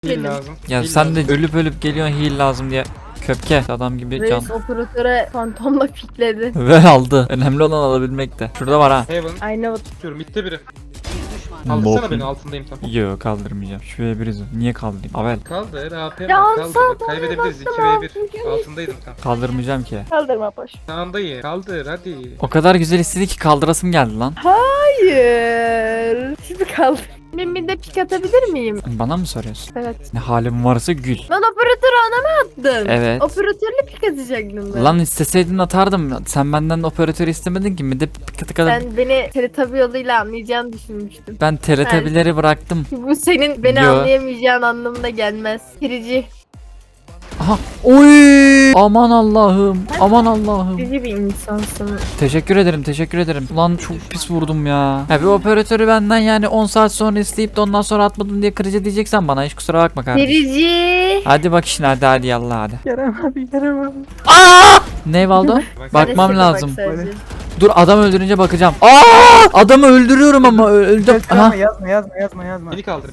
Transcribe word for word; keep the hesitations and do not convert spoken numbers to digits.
Heal Benim. lazım. Ya Heal sen lazım. de ölüp ölüp geliyorsun heal lazım diye. Köpke adam gibi can. Reis operatöre fantomla fikledi. Ve aldı. Önemli olan alabilmekte. Şurada var ha. Heaven. Aynı bak. Tutuyorum. Mitte biri. Nope. Kaldırsana beni, altındayım tam. Yo kaldırmayacağım. Şu ve biriz. Niye kaldırayım? Avel. Kaldır. A P Ya var. Ansar, Kaldır. Bak, kaybedebiliriz. iki ve bir. Altındaydım tam. Kaldırmayacağım ki. Kaldırma boş. Sağındayım. Kaldır hadi. O kadar güzel istedi ki kaldırasım geldi lan. Hayır. Şimdi kaldır. Ben bir de pik atabilir miyim? Bana mı soruyorsun? Evet. Ne halim varsa gül. Lan operatörü ana mı attın? Evet. Operatörle pik atacaktın ben. Lan isteseydin atardım. Sen benden operatörü istemedin ki. Bir de katı kadar. Ben, Ben beni Teletabi yoluyla anlayacağını düşünmüştüm. ben T R T B'leri bıraktım. Bu senin beni Yo. anlayamayacağın anlamına gelmez. Kirici. Aha. Oy! Aman Allah'ım. Aman Allah'ım. Kirici bir insansın. Teşekkür ederim, teşekkür ederim. Ulan çok pis vurdum ya. Ya bir operatörü benden yani on saat sonra isteyip de ondan sonra atmadım diye kırıcı diyeceksen bana hiç kusura bakma kardeşim. Kirici. Hadi bak işine hadi hadi yallah hadi. Kerem abi Kerem abi. Aa! Ne Valdo? Bak, Bakmam Hadi lazım. bak sadece. Dur adam öldürünce bakacağım. Aa! Adamı öldürüyorum ama ö- öldüm. Kerem Aha. abi yazma yazma yazma yazma. Beni kaldır.